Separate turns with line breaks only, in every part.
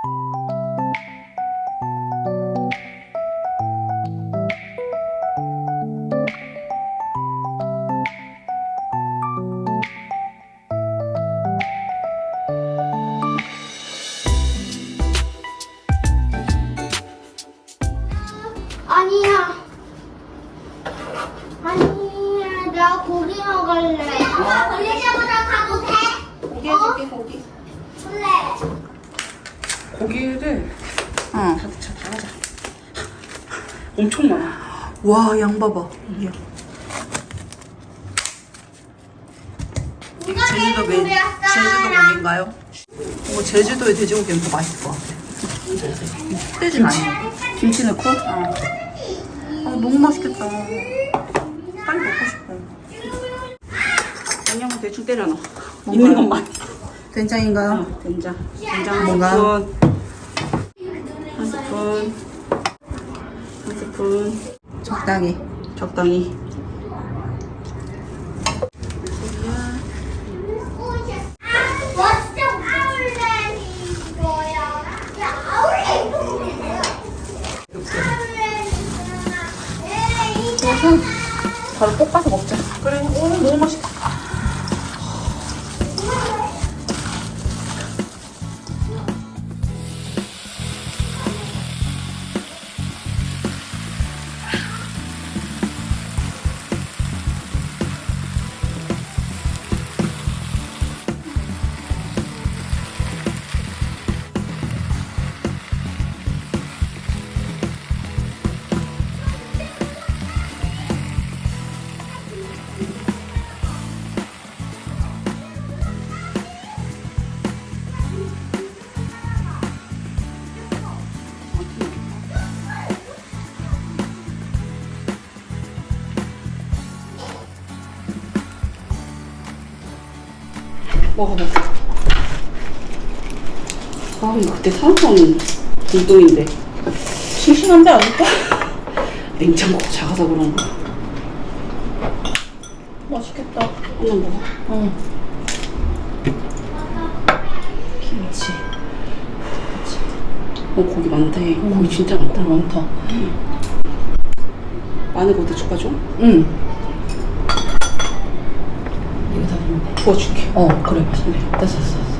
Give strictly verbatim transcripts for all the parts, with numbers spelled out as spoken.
아니야. 아니야, 나 고기 먹을래. 엄마, 벌레 잡으러 가도 돼?
고기 해줄게, 고기.
그래.
고기를
어.
다 넣자, 다 하자. 엄청 많아.
와, 양 봐봐. 이게. 이게 제주도 메 제주도 메뉴인가요? 어, 제주도의 돼지고기는 더 맛있을 것 같아. 흑돼지 많이.
김치 넣고?
어. 아, 너무 맛있겠다. 빨리 먹고 싶어.
양념은 대충 때려 넣어.
뭔가요?
있는 것만.
된장인가요?
어, 된장. 된장 한
뭔가요?
스푼. 한 스푼. 한 스푼.
적당히.
적당히. 바로 볶아서 먹자.
그래, 오, 너무 맛있다.
먹어봐. 아, 이거 그때 사놓은 불똥인데.
싱싱한데 아닐까?
냉장고가 작아서 그런가.
맛있겠다.
한번 먹어.
어. 김치.
어, 고기 많대. 고기 진짜 많다.
많다.
마늘 거기다 볶아줘?
응. 이거 다 넣으면 돼.
부어줄게.
어, 그래, 맛있네. 됐어, 됐어, 됐어.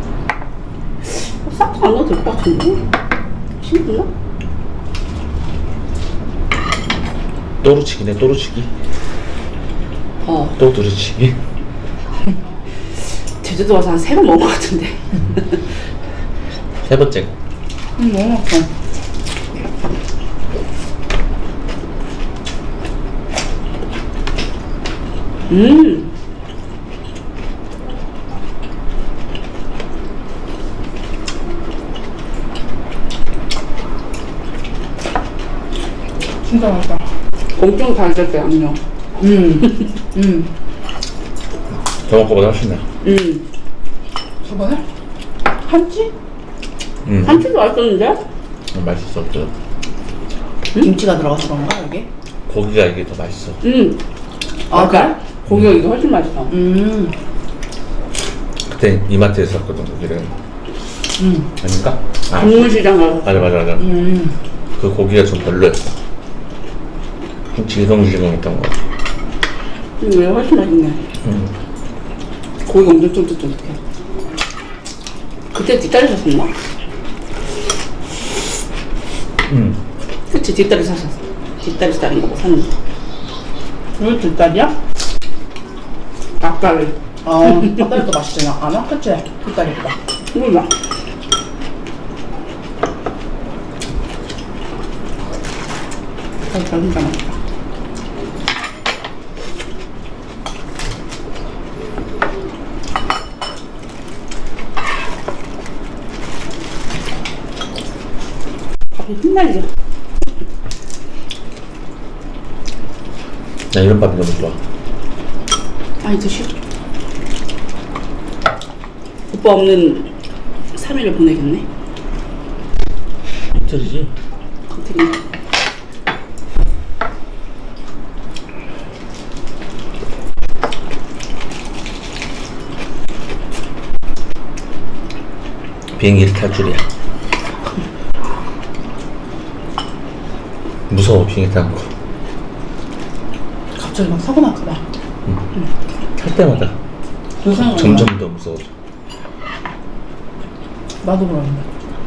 어, 싹도 안 넣어도 될 것 같은데? 싱겁나?
또르치기네 또르치기
어.
또 두르치기.
제주도 와서 한 세 번 먹은 것 같은데.
세 번째.
응, 너무 맛있어.
음.
진짜 맛있다.
엄청 달달해, 양념.
음. 음.
저번 거보다 훨씬 나.
음.
저번에? 한치?
음.
한치도 맛있었는데?
맛있어. 저
김치가 들어가서 그런가, 여기?
고기가 이게 더 맛있어.
음.
아, 그래?
고기가 이게 훨씬 맛있어.
음.
그때 이마트에서 샀거든 고기를.
음.
아닌가? 아,
동물시장 가서.
맞아 맞아 맞아.
음.
그 고기가 좀 별로였어. 지성지성했던 거 같아.
이게 훨씬 맛있네.
음.
고기가 엄청 쫀득쫀득해. 그때 뒷다리 샀었나?
음.
그치, 뒷다리 샀었어. 뒷다리 다른 거 사는 거.
이거 뒷다리야?
닭다리.
아, 뒷다리도 맛있지 않아? 그치? 뒷다리보다.
몰라. 닭다리 진짜 맛있다. 밥이 흩날려.
나 이런 밥이 너무 좋아.
많이 드셔. 오빠 없는 삼 일을 보내겠네.
이틀이지?
어떻게.
비행기를 탈 줄이야. 무서워 비행기 타는 거.
갑자기 막 사고 날까봐.
탈 때마다
그 생각
점점 더 무서워져.
나도 그러는데.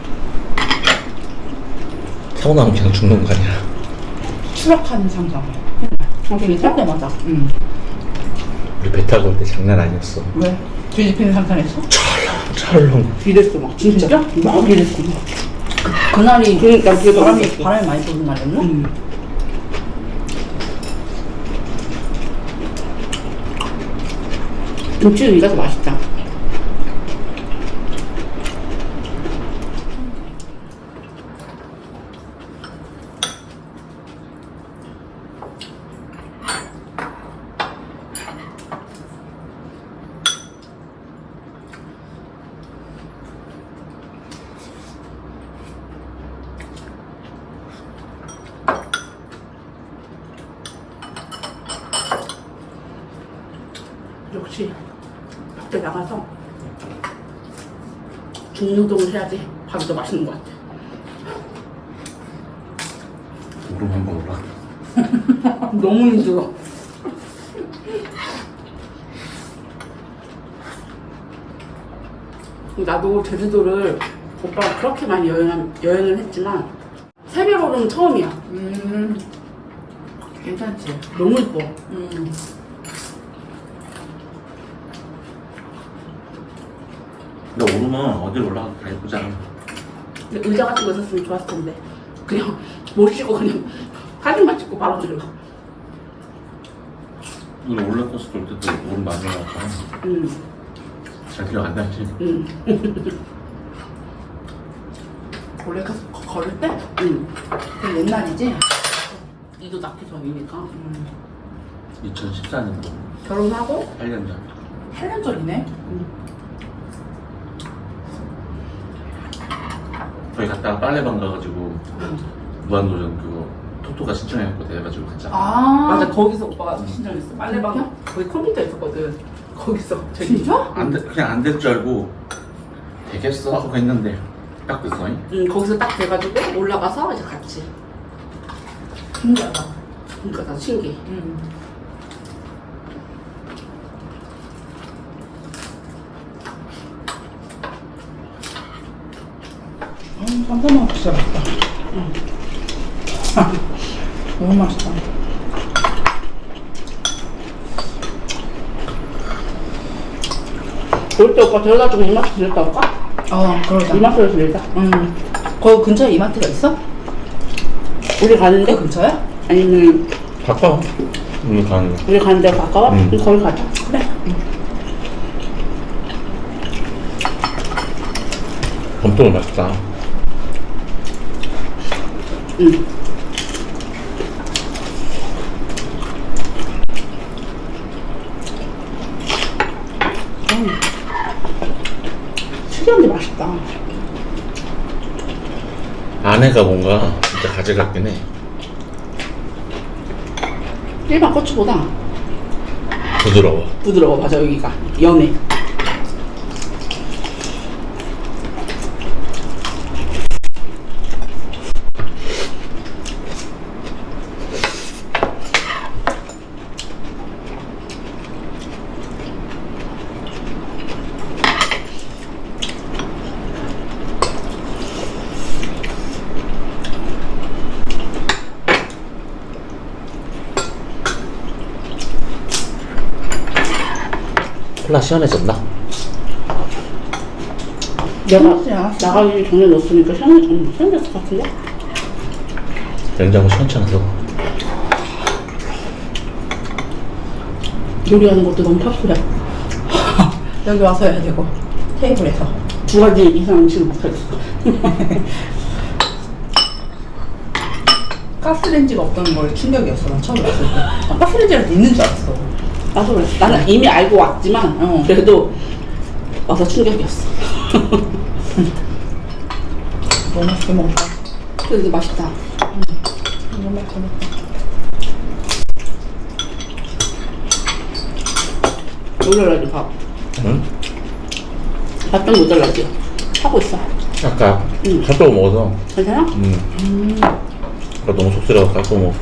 사고 나면 그냥 죽는 거 아니야.
추락하는 상상. 아, 되게 탈 때마다. 응.
우리 배 타고 올 때 장난 아니었어.
왜? 뒤집히는 상상했어?
찰렁.
이랬어 막. 진짜? 막 이랬어 막. 그, 그날이 그러니까 그 바람이 바람이 많이 부는 날이었나? 응. 김치는 이가 더 맛있다. 역시 밖에 나가서 중노동을 해야지 밥이 더 맛있는 것 같아.
오름 한번 올라.
너무 힘들어. 나도 제주도를 오빠가 그렇게 많이 여행, 여행을 했지만 새벽 오름 처음이야.
음. 괜찮지?
너무 예뻐.
음.
근데 오름은 어디로 올라가도 다 예쁘잖아.
근데 의자 같은 거 있었으면 좋았을 텐데 그냥 못 쉬고 그냥 사진만 찍고 바로 들어가.
우리 올라코스터 올 때도 오름 많이 올라갔잖아.
응.
잘 기억 안 나지?
응.
원래 가서 거- 걸을 때?
응.
그 옛날이지?
이도 낳기 전이니까.
음.
이천십사 년도
결혼하고
팔 년 전.
팔 년 전이네?
거기 갔다가 빨래방 가가지고 무한도전 그거 토토가 신청해갖고 해가지고 갔잖아.
아.
맞아, 거기서 오빠가 신청했어. 빨래방이야? 거기 컴퓨터 있었거든. 거기서 저기.
진짜?
안 돼, 그냥 안 될 줄 알고 되겠어 하고 했는데 딱 됐어.
응, 거기서 딱 돼가지고 올라가서 이제 같이.
신기하다.
그러니까 나 신기해.
음. 음, 쌈싸먹 진짜 맛있다. 음. 너무 맛있다.
올 때 오빠 데려다주고 이마트 들렸다 올까?
어, 그러자.
이마트에서 들자.
음. 거기 근처에 이마트가 있어?
우리 가는데?
그 근처야?
아니면
가까워. 우리 가는 거.
우리 가는 데가 가까워?
응.
그럼 거기 가자. 그래.
엄청 맛있다.
응. 특이한데 맛있다.
안에가 뭔가 진짜 가지 같긴 해.
일반 고추보다
부드러워.
부드러워. 맞아, 여기가 연해.
콜라 시원해졌나?
내가
시원하지
나가기 전에 넣었으니까 시원해, 음, 시원했을 것 같은데?
냉장고 시원찮아서.
요리하는 것도 너무 탑수해.
여기 와서 해야 되고. 테이블에서.
두 가지 이상 음식을 못하겠어.
가스레인지가 없다는 걸 충격이었어. 난 처음 왔을 때. 아, 가스레인지라도 있는 줄 알았어.
나도 그랬어. 나는 이미 알고 왔지만,
어.
그래도 와서 충격이었어.
너무 맛있게 먹었다.
그래도 맛있다.
너무 맛있게 먹었다.
모자라지, 밥.
응?
밥 좀 모자라지. 하고 있어.
아까
응.
핫도그 먹어서.
괜찮아?
음. 아까 너무 속쓰려서 깎고 먹어.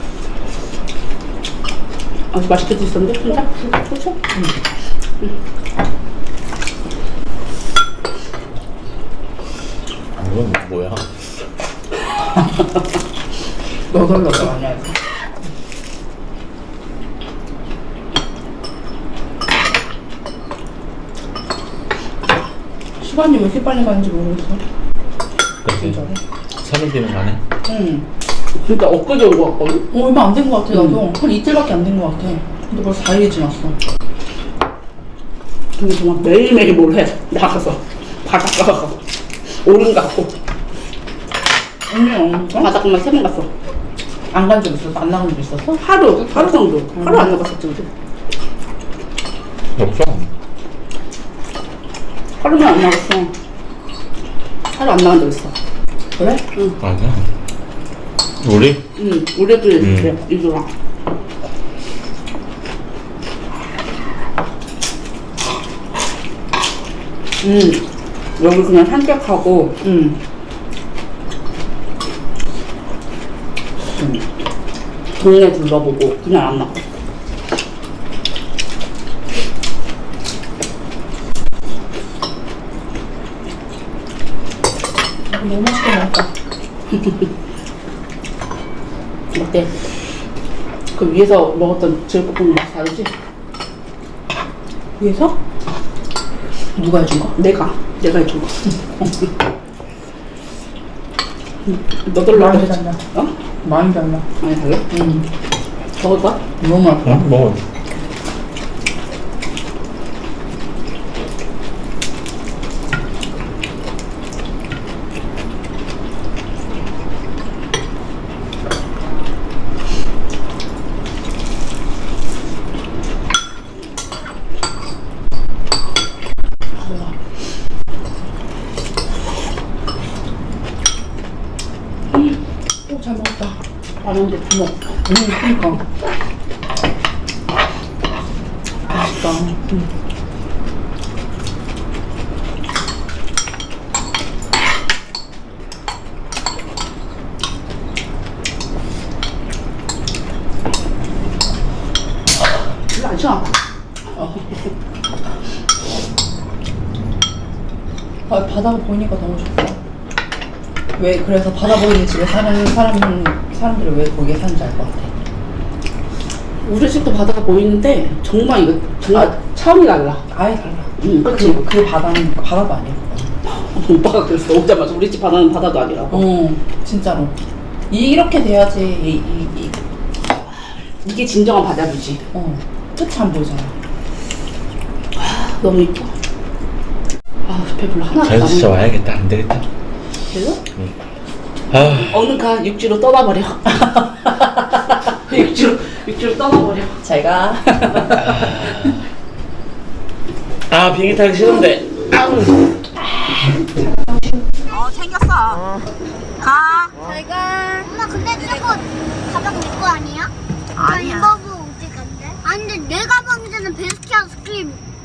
아, 맛있게 드셨는데? 진짜? 그렇죠? 응.
이건 뭐야?
너덜너덜 아니야. 시간이 왜 이렇게 빨리 가는지 모르겠어.
그치?
진짜로.
삼 일 뒤면 가네?
응. 진짜 엊그제 온 거 같거든?
어, 얼마 안 된 거 같아, 나도. 한 이틀밖에 안 된 거 같아. 근데 벌써 사 일이 지났어.
근데 정말 매일매일 뭘 해. 나가서. 바닷가 가서. 오름 갔고.
언니, 어?
바닷가만 세 번 갔어.
안 간 적 있었어? 안 나간 적 있었어?
하루, 하루 정도. 하루 안 나갔었지, 우리.
없어.
하루만 안 나갔어. 하루 안 나간 적 있어.
그래?
응.
아니야. 우리?
응, 우리 애들이
음.
그래, 이주랑. 음, 여기 그냥 산책하고, 음. 음. 동네 둘러보고, 그냥 안 나가.
너무 맛있게 먹었다.
어때? 그 위에서 먹었던 제육볶음 맛 다르지?
위에서? 누가 해준 거?
내가, 내가 해준 거. 너덜
많이
너덜
달라.
어?
많이 달라.
많이 달라?
응.
먹을까?
너무 맛있어.
응? 먹어.
오, 잘 먹었다.
라면도 다 먹어.
응, 그니까. 맛있다. 응.
별로 안 시원하다.
아, 바다가 보이니까 너무 좋다. 왜, 그래서 바다 보이는 집에 사는 사람, 사람들이 왜 거기에 사는지 알 것 같아.
우리 집도 바다가 보이는데 정말 이거 정말 차원이 달라.
아예 달라.
응, 그치?
그, 그 바다는 바다도 아니야.
오빠가 그랬어. 오자마자 우리 집 바다는 바다도 아니라고.
어, 진짜로. 이렇게 돼야지, 이, 이, 이,
이게 진정한 바다뷰지.
어, 끝이 안 보이잖아.
너무 이뻐. 아, 배불러. 하나도
자연스
안
진짜
먹어.
와야겠다. 안 되겠다.
그래서?
아,
어느 가 육지로 떠나버려. 육지로, 육지로 떠나버려.
잘 가.
아 비행기 타기 싫은데.
어, 챙겼어. 가.
잘가. 엄마 근데 저거 가방 내 거 아니야?
아니야.
나 이거 보고 어디 간대? 아니 근데 내 가방에는 베스킨 아이스크림